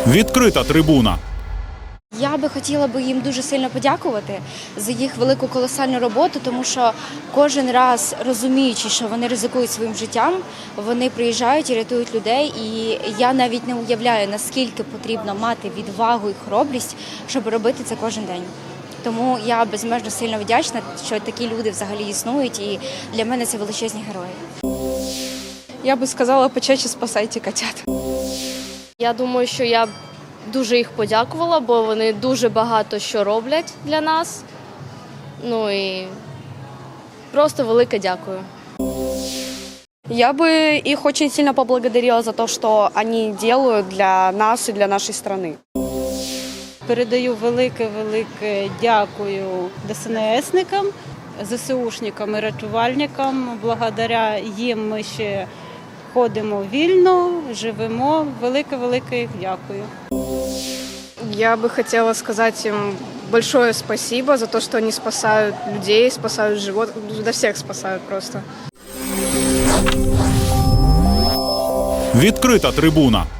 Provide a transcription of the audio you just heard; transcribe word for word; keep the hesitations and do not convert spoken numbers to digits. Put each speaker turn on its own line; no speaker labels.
Відкрита трибуна.
Я би хотіла би їм дуже сильно подякувати за їх велику колосальну роботу, тому що кожен раз, розуміючи, що вони ризикують своїм життям, вони приїжджають і рятують людей. І я навіть не уявляю, наскільки потрібно мати відвагу і хоробрість, щоб робити це кожен день. Тому я безмежно сильно вдячна, що такі люди взагалі існують, і для мене це величезні герої.
Я би сказала, почаще спасайте котят.
Я думаю, що я дуже їх подякувала, бо вони дуже багато що роблять для нас. Ну і просто велике дякую.
Я бы их очень сильно поблагодарила за то, что они делают для нас и для нашей страны.
Передаю велике-велике дякую ДСНСникам, ЗСУшникам і рятувальникам. Благодаря їм ми ще ходимо вільно, живемо. Велике-велике їх дякую.
Я бы хотела сказать им большое спасибо за то, что они спасают людей, спасают животных, да всех спасают просто.
Відкрита трибуна.